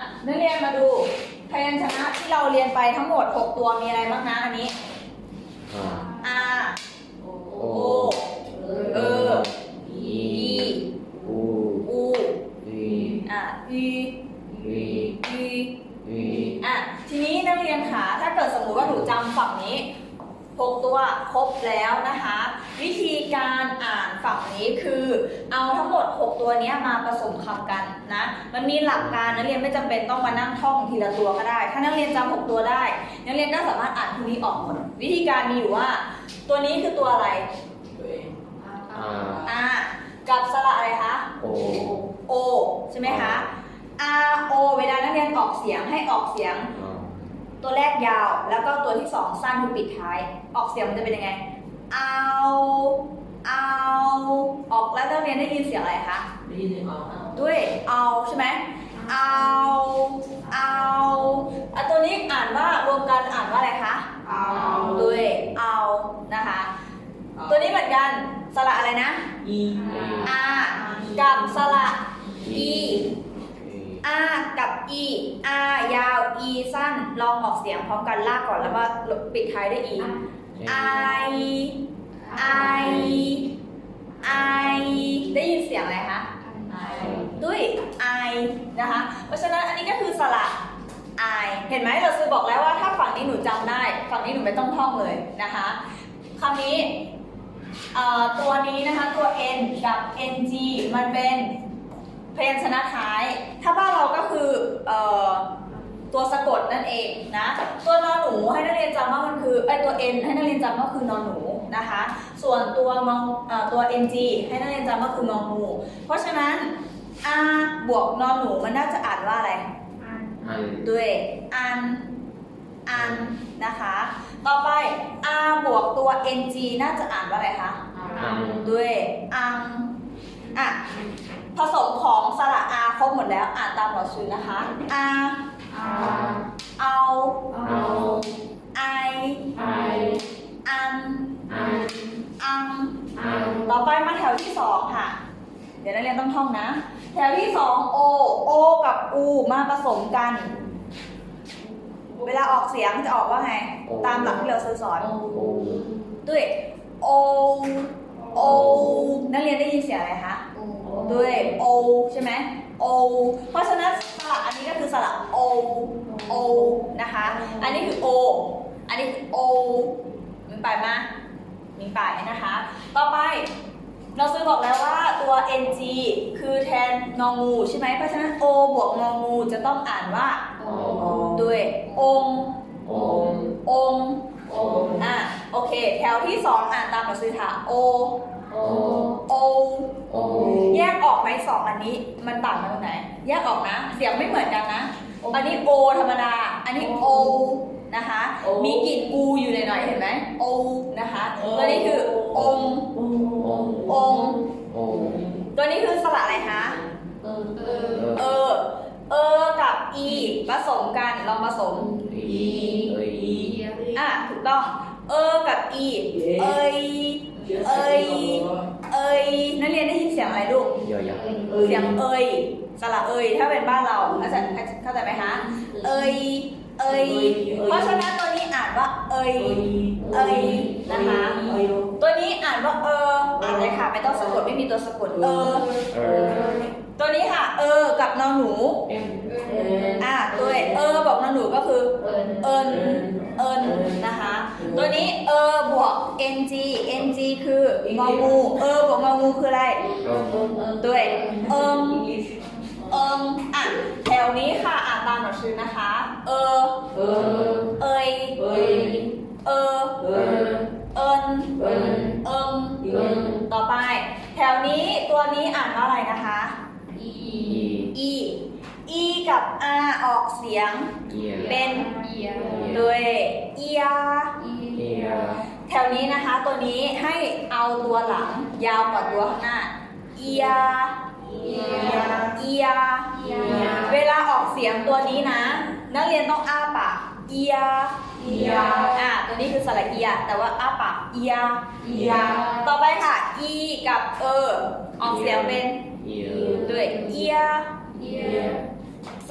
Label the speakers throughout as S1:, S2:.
S1: นักเรียนมาดูพยัญชนะที่เราเรียนไปทั้งหมด6ตัวมีอะไรบ้างนะอันนี้อาโอเออีอูอีทีนี้นักเรียนค่ะถ้าเกิดสมมติว่าหนูจำฝั่งนี้6ตัวครบแล้วนะคะวิธีการอ่านฝั่งนี้คือเอาทั้งหมด6ตัวนี้มาผสมคำกันนะมันมีหลักการนักเรียนไม่จำเป็นต้องมานั่งท่องทีละตัวก็ได้ถ้านักเรียนจำ6ตัวได้นักเรียนก็สามารถอ่านพวกนี้ออกหมดวิธีการมีอยู่ว่าตัวนี้คือตัวอะไรกับสระอะไรคะโอใช่ไหมคะโอเวลานักเรียนออกเสียงให้ออกเสียงตัวแรกยาวแล้วก็ตัวที่2สั้นคือปิดท้ายออกเสียงมันจะเป็นยังไงเอาออกแล้วนักเรียนได้ยินเสียงอะไรคะได้ยินเสียงด้วยเอาใช่ไหมเอาตัวนี้อ่านว่ารวมกันอ่านว่าอะไรคะเอาด้วยเอานะคะตัวนี้เหมือนกันสระอะไรนะกับสระกับยาวสั้นลองออกเสียงพร้อมกันลากก่อนแล้วก็ปิดท้ายด้วยได้ยินเสียงอะไรคะด้วยนะคะเพราะฉะนั้นอันนี้ก็คือสระเห็นไหมเราซื้อบอกแล้วว่าถ้าฝั่งนี้หนูจำได้ฝั่งนี้หนูไม่ต้องท่องเลยนะคะคำนี้ตัวนี้นะคะตัว n กับ ng มันเป็นพยัญชนะท้ายถ้าบ้านเราก็คือตัวสะกดนั่นเองนะตัวนอหนูให้นักเรียนจำว่ามันคือตัว n ให้นักเรียนจำว่าคือนอหนูนะคะส่วนตัวng ให้นักเรียนจำว่าคืององูเพราะฉะนั้นบวกนอหนูมันน่าจะอ่านว่าอะไรด้วยอันนะคะต่อไปบวกตัว ng น่าจะอ่านว่าอะไรคะด้วยผสมของสระครบหมดแล้วอ่านตามหลักสูตรนะคะเอาไออันต่อไปมาแถวที่2ค่ะเดี๋ยวนักเรียนต้องท่องนะแถวที่2โอกับอูมาผสมกันเวลาออกเสียงจะออกว่าไงตามหลักที่เราสอนด้วยโอนักเรียนได้ยินเสียงอะไรคะด้วยโอใช่ไหมโอเพราะฉะนั้นสระอันนี้ก็คือสระโอนะคะอันนี้คือโออันนี้คือโอมีปลายมามีปลายนะคะต่อไปเราซื้อบอกแล้วว่าตัว ng คือแทนงองูใช่ไหมเพราะฉะนั้น o บวกงองูจะต้องอ่านว่าด้วยองโอเคแถวที่2อ่านตามหลักสูตรค่ะโอแยกออกไหม2อันนี้มันต่างกันตรงไหนแยกออกนะเสียงไม่เหมือนกันนะอันนี้โอธรรมดาอันนี้โอนะคะมีกลิ่นอูอยู่หน่อยๆเห็นไหมโอนะคะตัวนี้คือองตัวนี้คือสระอะไรคะกับอีผสมกันลองผสมถูกต้องกับอีนักเรียนได้ยินเสียงอะไรลูกเสียงสระถ้าเป็นบ้านเราเข้าใจไหมคะเพราะฉะนั้นตัวนี้อ่านว่านะคะตัวนี้อ่านว่าอ่านเลยค่ะไม่ต้องสะกดไม่มีตัวสะกดตัวนี้ค่ะกับนอหนูตัวบอกนอหนูก็คือนะคะตัวนี้บวก ng คืององูบวกงองูคืออะไรด้วยแถวนี้ค่ะอ่านตามหนังสือนะคะต่อไปแถวนี้ตัวนี้อ่านว่าอะไรนะคะอีกับ ออกเสียงเป็นด้วยแถวนี้นะคะตัวนี้ให้เอาตัวหลังยาวกว่าตัวข้างหน้าเวลาออกเสียงตัวนี้นะนักเรียนต้องอ้าปากตัวนี้คือสระแต่ว่าอ้าปากต่อไปค่ะกับออกเสียงเป็นด้วยส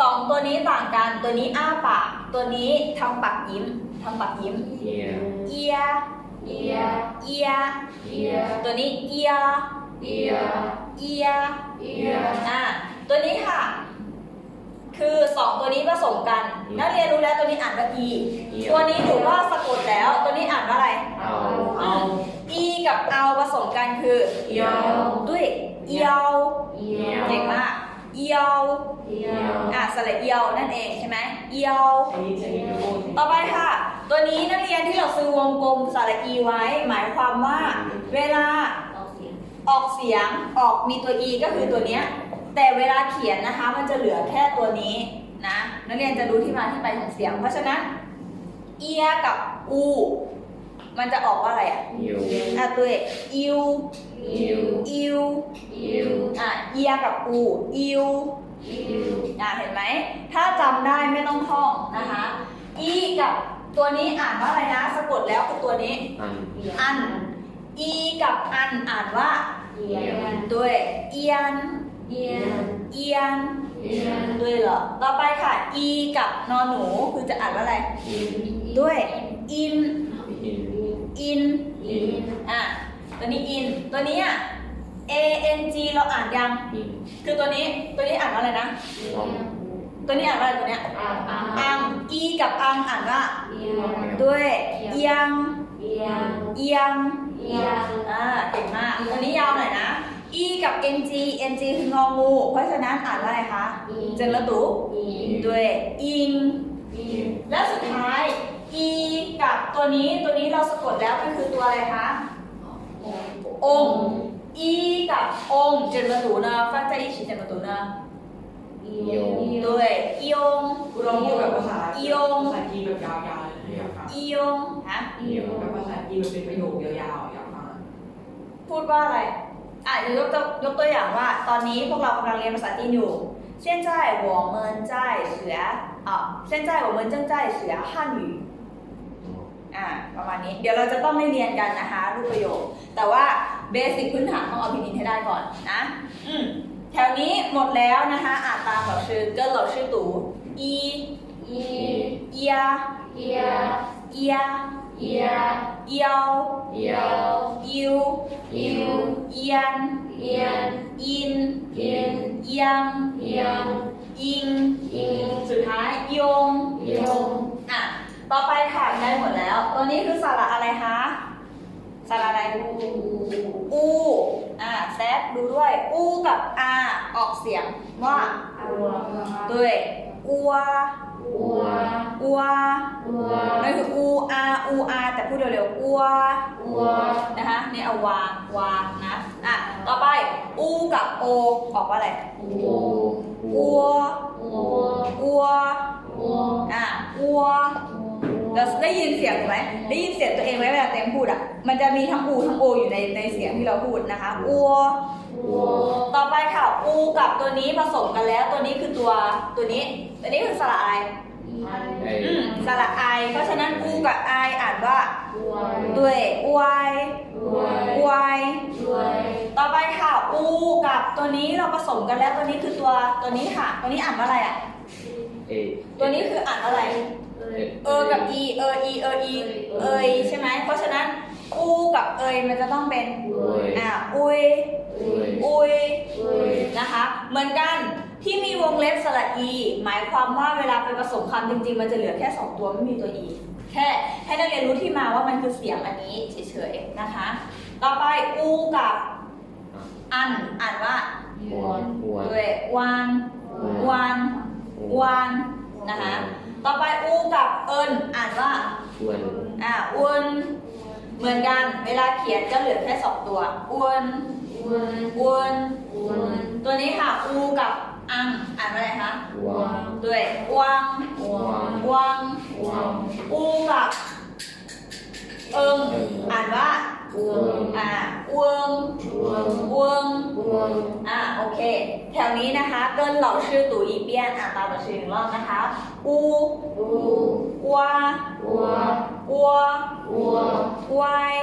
S1: สองตัวนี้ต่างกันตัวนี้อ้าปากตัวนี้ทำปากยิ้มทำปากยิ้ม
S2: ear
S1: เอีย
S3: ear
S1: เอีย
S3: ear
S1: ตัวนี้เอีย
S3: ear
S1: เอีย
S3: ear
S1: ตัวนี้ค่ะ คือสองตัวนี้ผสมกันนักเรียนรู้แล้วตัวนี้อ่านว่า e ตัวนี้หนูว่าสะกดแล้วตัวนี้อ่านว่าอะไร
S2: เอา
S1: e กับ เอาผสมกันคือ
S3: เอียว
S1: ด้วยเอียว
S3: ear
S1: เก่งมากเอียว
S3: ear
S1: สระเอียวนั่นเองใช่ไหมเอียว
S3: ear
S1: ต่อไปค่ะ ตัวนี้นักเรียนที่เราซื้อวงกลมสระอีไว้ หมายความว่า เวลาออกเสียงออกมีตัว e ก็คือตัวเนี้ยแต่เวลาเขียนนะคะมันจะเหลือแค่ตัวนี้นะนักเรียนจะรู้ที่มาที่ไปของเสียง เพราะฉะนั้นเอียกับอูมันจะออกว่าอะไรอ่ะ
S2: you
S1: ตัวเอกอิว
S2: you
S1: อิว
S3: ear
S1: เอียกับอูอิว
S3: ear
S1: เห็นไหมถ้าจำได้ไม่ต้องท่องนะคะอีกับตัวนี้อ่านว่าอะไรนะสะกดแล้วคือตัวนี้
S2: an
S1: อันอีกับอันอ่านว่า
S3: ear
S1: ด้วยเอียน
S3: ear
S1: เอียน
S3: ear
S1: ด้วยเหรอต่อไปค่ะอีกับนอนหนูคือจะอ่านว่าอะไร
S2: in
S1: ด้วยอิน
S2: in
S1: อิน
S3: in
S1: ตัวนี้อินตัวนี้a n g เราอ่านยัง
S2: in
S1: คือตัวนี้อ่านว่าอะไรนะ
S2: long
S1: ตัวนี้อ่านว่าอะไรตัวเนี้ยอังอีกับอังอ่านว่า
S3: ear
S1: ด้วยเอียง
S3: ear
S1: เอียง
S3: ear
S1: เก่งมากตัวนี้ยาวหน่อยนะ e กับ ng คืององู เพราะฉะนั้นอ่านว่าอะไรคะ เจนละตุ ด้วยอิง
S3: in
S1: และสุดท้าย e กับตัวนี้เราสะกดแล้วมันคือตัวอะไรคะ องค์ e กับองค์เจนละตุนะฟังใจอีชิเจนละตุนะ ด้วยอียง
S4: คุณลองพูดแบบภาษา
S1: อียง
S4: ภาษาจีนแบบยาวๆเลยนะอยากฟัง
S1: อียงฮะ
S4: แบบภาษาจีนมันเป็นประโยคยาวๆอยากฟัง
S1: พูดว่าอะไรเดี๋ยวยกตัวอย่างว่า ตอนนี้พวกเรากำลังเรียนภาษาจีนอยู่现在我们在学现在我们正在学汉语ประมาณนี้เดี๋ยวเราจะต้องได้เรียนกันนะคะรูปประโยค แต่ว่าเบสิกพื้นฐานต้องเอาพินิจให้ได้ก่อนนะแถวนี้หมดแล้วนะคะอ่านตามเหล่าชื่อเกินเหล่าชื่อตู่อีเอีย
S3: ear
S1: เอีย
S3: ear
S1: เอียว
S3: ear
S1: อิว
S3: ear
S1: เอียน
S3: ear
S1: อิน
S3: in
S1: เอียง
S3: ear
S1: อิง
S3: in
S1: สุดท้ายยง
S3: yong
S1: ต่อไปค่ะได้หมดแล้ว ตัวนี้คือสระอะไรคะสระอะไรอูแซดดูด้วยอูกับอาออกเสียงว่าด้วยอัว อัวนั่นคืออูอาแต่พูดเร็วๆอัวนะคะนี่เอาวนะต่อไปอูกับโอออกว่าอะไรอัวอัวอัวเราได้ยินเสียงไหมได้ยินเสียงตัวเองไหมเวลาเต็มพูดมันจะมีทั้งอูทั้งโออยู่ในเสียงที่เราพูดนะคะอัวต่อไปค่ะอูกับตัวนี้ผสมกันแล้วตัวนี้คือตัวนี้คือสระอะไรสระไอเพราะฉะนั้นอูกับไออ่านว่าด้วยอวยต่อไปค่ะอูกับตัวนี้เราผสมกันแล้วตัวนี้คือตัวนี้ค่ะตัวนี้อ่านว่าอะไรตัวนี้คืออ่านว่าอะไรกับอีเอยใช่ไหมเพราะฉะนั้นอูกับเอยมันจะต้องเป็นอุยนะคะเหมือนกันที่มีวงเล็บสระอีหมายความว่าเวลาไปผสมคำจริงๆมันจะเหลือแค่2ตัวไม่มีตัวอีแค่ให้นักเรียนรู้ที่มาว่ามันคือเสียงอันนี้เฉยๆนะคะต่อไปอูกับอันอ่านว่าด้วยวันนะคะต่อไปอูกับเอินอ่านว่าอ้วนเหมือนกันเวลาเขียนจะเหลือแค่2ตัวอ้วนตัวนี้ค่ะอูกับอังอ่านว่าอะไรคะด้วยวังอูกับเอิงอ่านว่าเวิงโอเคแถวนี้นะคะเกินเหล่าชื่อตู่อีเปียนอ่านตามเหล่าชื่อ1 รอบนะคะอูวาอัววาย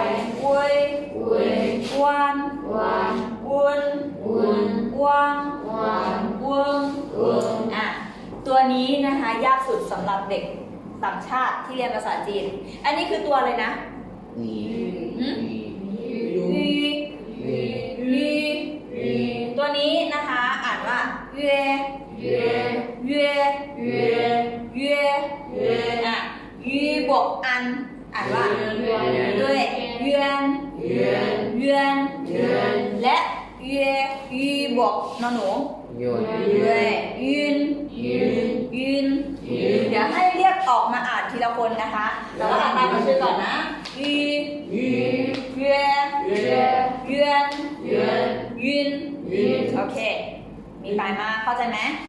S1: เวยวันวุนวัง
S3: วัน
S1: เวิง
S3: เวิง
S1: อ่ะตัวนี้นะคะยากสุดสำหรับเด็กต่างชาติที่เรียนภาษาจีน อันนี้คือตัวอะไรนะ
S2: วี
S1: หืม
S2: วี
S1: วี
S2: วี
S1: วี ตัวนี้นะคะอ่านว่าเย่
S3: เย่
S1: เย่
S3: เย่
S1: เย่อ่ะยีบวกอันอ่านว่า ด้วยเยือนเยือนและเยยีบวกนอนหนู
S2: ยน
S1: ด้วยยืนยืนเดี๋ยวให้เรียกออกมาอ่านทีละคนนะคะแต่ว่าอ่านตามมาชื่อก่อนนะยีเยือนยืนโอเค มีปลายมาเข้าใจไหม